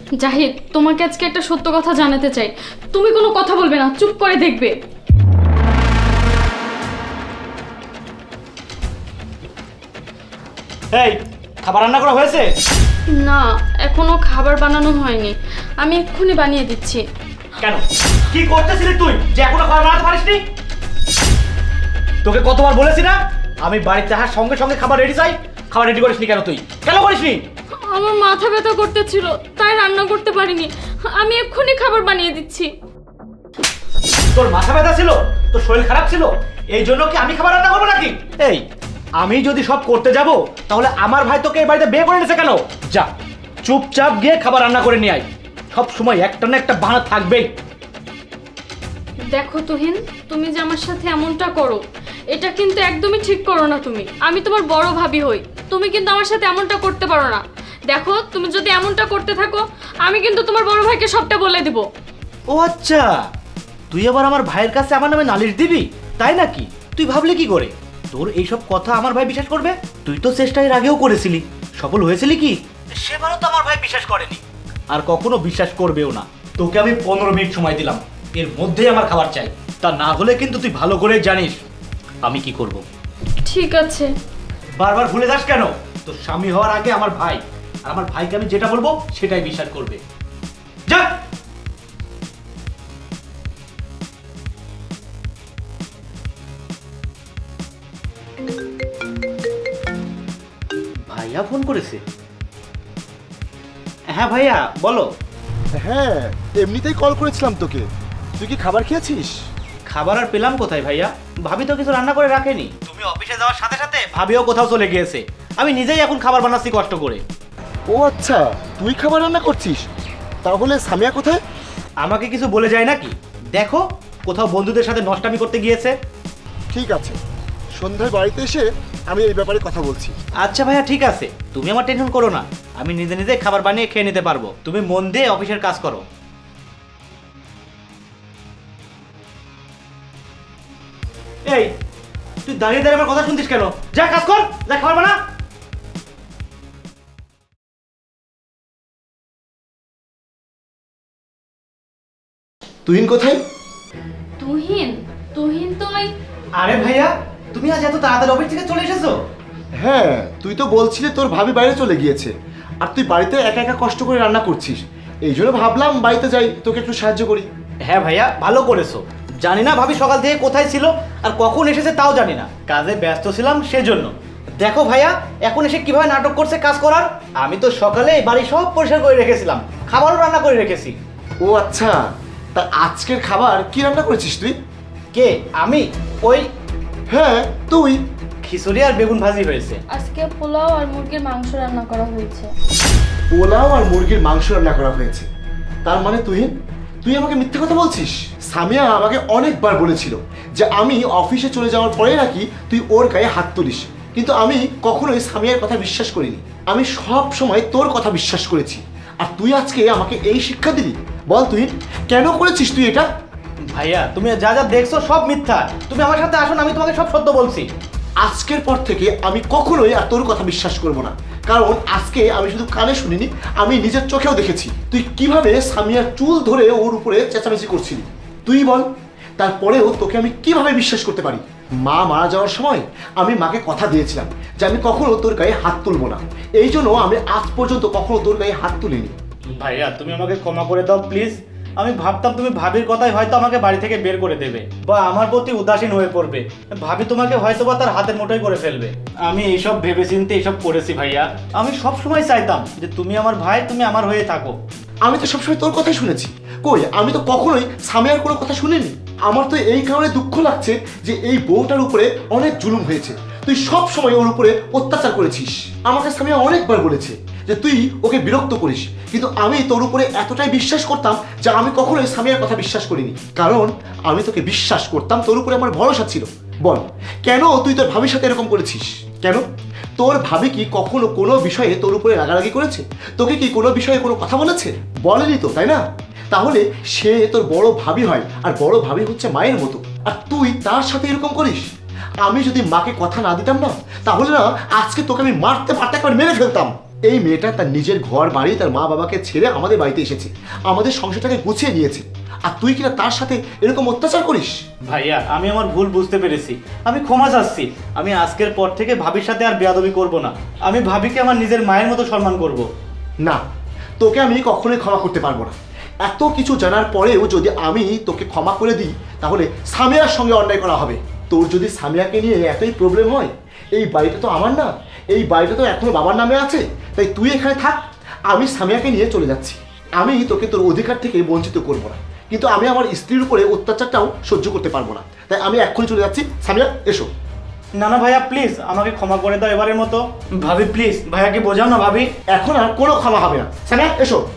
জাহিদ, তোমাকে আজকে একটা সত্য কথা জানাতে চাই। তুমি কোনো কথা বলবে না, চুপ করে দেখবে। এই, খাবার রান্না করা হয়েছে? না, এখনো খাবার বানানো হয়নি, আমি এক্ষুনি বানিয়ে দিচ্ছি। কেন, কি করতেছিলি তুই যে এখনো খাবার বানাতে পারিসনি? তোকে কতবার বলেছি না আমি বাড়িতে আসার সঙ্গে সঙ্গে খাবার রেডি চাই? খাবার রেডি করিসনি কেন তুই? কেন করিসনি? আমার মাথা ব্যথা করতেছিল, তাই রান্না করতে পারিনি। আমি এক্ষুনি খাবার বানিয়ে দিচ্ছি। তোর মাথা ব্যথা ছিল? তোর শরীর খারাপ ছিল? এই জন্য কি আমি খাবার রান্না করবো নাকি? এই, আমি যদি সব করতে যাব তাহলে আমার ভাই তোকে এই বাড়িতে বিয়ে করে নিয়েছে কেন? যা, চুপচাপ গিয়ে খাবার রান্না করে নিয়ে আয়। সব সময় একটা না একটা বাহানা থাকবেই। দেখো তুহিন, তুমি যে আমার সাথে এমনটা করো, এটা কিন্তু একদমই ঠিক করো না তুমি। আমি তোমার বড় ভাবি হই, তুমি কিন্তু আমার সাথে এমনটা করতে পারো না। দেখো, তুমি যদি এমনটা করতে থাকো, আমি কিন্তু তোমার বড় ভাইকে সবটা বলে দিব। ও আচ্ছা, তুই আবার আমার ভাইয়ের কাছে আমার নামে নালিশ দিবি, তাই নাকি? তুই ভাবলি কি করে তোর এইসব কথা আমার ভাই বিশ্বাস করবে? তুই তো চেষ্টা এর আগেও করেছিলি, সফল হয়েছিলি কি? সেবারও তো আমার ভাই বিশ্বাস করেনি, আর কখনো বিশ্বাস করবেও না। তোকে আমি 15 মিনিট সময় দিলাম, এর মধ্যেই আমার খাবার চাই। তা না হলে কিন্তু তুই ভালো করে জানিস আমি কি করব। ঠিক আছে। বারবার ভুলে যাস কেন? তোর স্বামী হওয়ার আগে আমার ভাই, আর আমার ভাইকে আমি যেটা বলবো সেটাই বিশ্বাস করবে। যা। ভাইয়া ফোন করেছে? হ্যাঁ ভাইয়া, বলো। হ্যাঁ, এমনিতেই কল করেছিলাম তোকে। তুই কি খাবার খেয়েছিস? খাবার আর পেলাম কোথায় ভাইয়া? ভাবি তো কিছু রান্না করে রাখেনি। তুমি অফিসে যাওয়ার সাথে সাথে ভাবিও কোথাও চলে গিয়েছে। আমি নিজেই এখন খাবার বানাচ্ছি কষ্ট করে। ও আচ্ছা, তুই খাবার রান্না করছিস? তাহলে সামিয়া কোথায়? আমাকে কিছু বলে যায় নাকি? দেখো, কোথাও বন্ধুদের সাথে নষ্টামি করতে গিয়েছে। ঠিক আছে, সন্ধ্যায় বাড়িতে এসে আমি এই ব্যাপারে কথা বলছি। আচ্ছা ভাইয়া, ঠিক আছে, তুমি আমার টেনশন করো না। আমি নিজে নিজে খাবার বানিয়ে খেয়ে নিতে পারবো। তুমি মন দিয়ে অফিসের কাজ করো। এই, তুই দাঁড়িয়ে দাঁড়িয়ে আমার কথা শুনছিস কেন? যা কাজ কর, যা খাবার বানা। তুহিন কোথায়? তুহিন? তুহিন তো ওই... আরে ভাইয়া, তুমি আজ এত তাড়াতাড়ি অফিস থেকে চলে এসেছো? হ্যাঁ, তুই তো বলছিলি তোর ভাবি বাইরে চলে গিয়েছে, আর তুই বাড়িতে একা একা কষ্ট করে রান্না করছিস। এই জন্য ভাবলাম বাড়িতে যাই, তোকে একটু সাহায্য করি। হ্যাঁ ভাইয়া, ভালো করেছো। জানি না ভাবি সকাল থেকে কোথায় ছিল আর কখন এসেছে তাও জানি না। কাজে ব্যস্ত ছিলাম সেজন্য। দেখো ভাইয়া, এখন এসে কিভাবে নাটক করছে কাজ করার। আমি তো সকালে বাড়ি সব পরিষ্কার করে রেখেছিলাম, খাবারও রান্না করে রেখেছি। ও আচ্ছা, তা আজকের খাবার কি রান্না করেছিস তুই? কে? আমি? ওই হ্যাঁ, তুই। খিচুড়ি আর বেগুন ভাজি হয়েছে। আজকে পোলাও আর মুরগির মাংস রান্না করা হয়েছে। পোলাও আর মুরগির মাংস রান্না করা হয়েছে? তার মানে তুই আমাকে মিথ্যে কথা বলছিস? সামিয়া আমাকে অনেকবার বলেছিল যে আমি অফিসে চলে যাওয়ার পরে নাকি তুই ওর গায়ে হাত তুলিস, কিন্তু আমি কখনোই সামিয়ার কথা বিশ্বাস করিনি। আমি সব সময় তোর কথা বিশ্বাস করেছি, আর তুই আজকে আমাকে এই শিক্ষা দিলি? বল তুই কেন করেছিস তুই এটা? ভাইয়া, তুমি যা যা দেখছো সব মিথ্যা। তুমি আমার সাথে আসো না, আমি তোমাকে সব সত্য বলছি। আজকের পর থেকে আমি কখনোই আর তোর কথা বিশ্বাস করব না, কারণ আজকে আমি শুধু কানে শুনিনি, আমি নিজের চোখেও দেখেছি তুই কিভাবে সামিয়ার চুল ধরে ওর উপরে চেঁচামেচি করছিলি। তুই বল, তারপরেও তোকে আমি কিভাবে বিশ্বাস করতে পারি? মা মারা যাওয়ার সময় আমি মাকে কথা দিয়েছিলাম যে আমি কখনো তোর গায়ে হাত তুলবো না, এই জন্য আমি আজ পর্যন্ত কখনো তোর গায়ে হাত তুলিনি। ভাইয়া, তুমি আমাকে ক্ষমা করে দাও প্লিজ। আমি ভাবতাম তুমি ভাবির কথাই হয়তো আমাকে বাড়ি থেকে বের করে দেবে বা আমার প্রতি উদাসীন হয়ে পড়বে। ভাবি তোমাকে হয়তো বা তার হাতের মুঠোয় করে ফেলবে। আমি এইসব ভেবেচিন্তে এইসব করেছি ভাইয়া। আমি সব সময় চাইতাম যে তুমি আমার ভাই, তুমি আমার হয়ে থাকো। আমি তো সবসময় তোর কথাই শুনেছি। কই, আমি তো কখনোই সামিয়ার কোনো কথা শুনিনি। আমার তো এই কারণে দুঃখ লাগছে যে এই বউটার উপরে অনেক জুলুম হয়েছে। তুই সব সময় ওর উপরে অত্যাচার করেছিস। আমাকে সামিয়া অনেকবার বলেছে যে তুই ওকে বিরক্ত করিস, কিন্তু আমি তোর উপরে এতটাই বিশ্বাস করতাম যে আমি কখনোই সামিয়ার কথা বিশ্বাস করিনি, কারণ আমি তোকে বিশ্বাস করতাম, তোর উপরে আমার ভরসা ছিল। বল, কেন তুই তোর ভাবির সাথে এরকম করেছিস? কেন? তোর ভাবি কি কখনো কোনো বিষয়ে তোর উপরে রাগারাগি করেছে? তোকে কি কোনো বিষয়ে কোনো কথা বলেছে? বলেনি তো, তাই না? তাহলে সে তোর বড় ভাবি হয়, আর বড় ভাবি হচ্ছে মায়ের মতো, আর তুই তার সাথে এরকম করিস। আমি যদি মাকে কথা না দিতাম না, তাহলে না আজকে তোকে আমি মারতে মারতে একবার মেরে ফেলতাম। এই মেয়েটা তার নিজের ঘর বাড়ি তার মা বাবাকে ছেড়ে আমাদের বাড়িতে এসেছে, আমাদের সংসারটাকে গুছিয়ে নিয়েছে, আর তুই কিনা তার সাথে এরকম অত্যাচার করিস? ভাইয়া আমি আমার ভুল বুঝতে পেরেছি, আমি ক্ষমা চাচ্ছি। আমি আজকের পর থেকে ভাবির সাথে আর বেয়াদবি করব না। আমি ভাবিকে আমার নিজের মায়ের মতো সম্মান করব। না, তোকে আমি কখনোই ক্ষমা করতে পারবো না। এত কিছু জানার পরেও যদি আমি তোকে ক্ষমা করে দিই তাহলে সামিয়ার সঙ্গে অন্যায় করা হবে। তোর যদি সামিয়াকে নিয়ে এতই প্রবলেম হয়, এই বাড়িটা তো আমার না, এই বাড়িটা তো এখনো বাবার নামে আছে, তাই তুই এখানে থাক, আমি সামিয়াকে নিয়ে চলে যাচ্ছি। আমি তোকে তোর অধিকার থেকে বঞ্চিত করব না, কিন্তু আমি আমার স্ত্রীর উপরে অত্যাচারটাও সহ্য করতে পারবো না, তাই আমি এক্ষুনি চলে যাচ্ছি। সামিয়া এসো। না না ভাইয়া প্লিজ আমাকে ক্ষমা করে দাও এবারের মতো। ভাবি প্লিজ ভাইয়াকে বোঝাও না ভাবি। এখন আর কোনো ক্ষমা হবে না। সামিয়া এসো।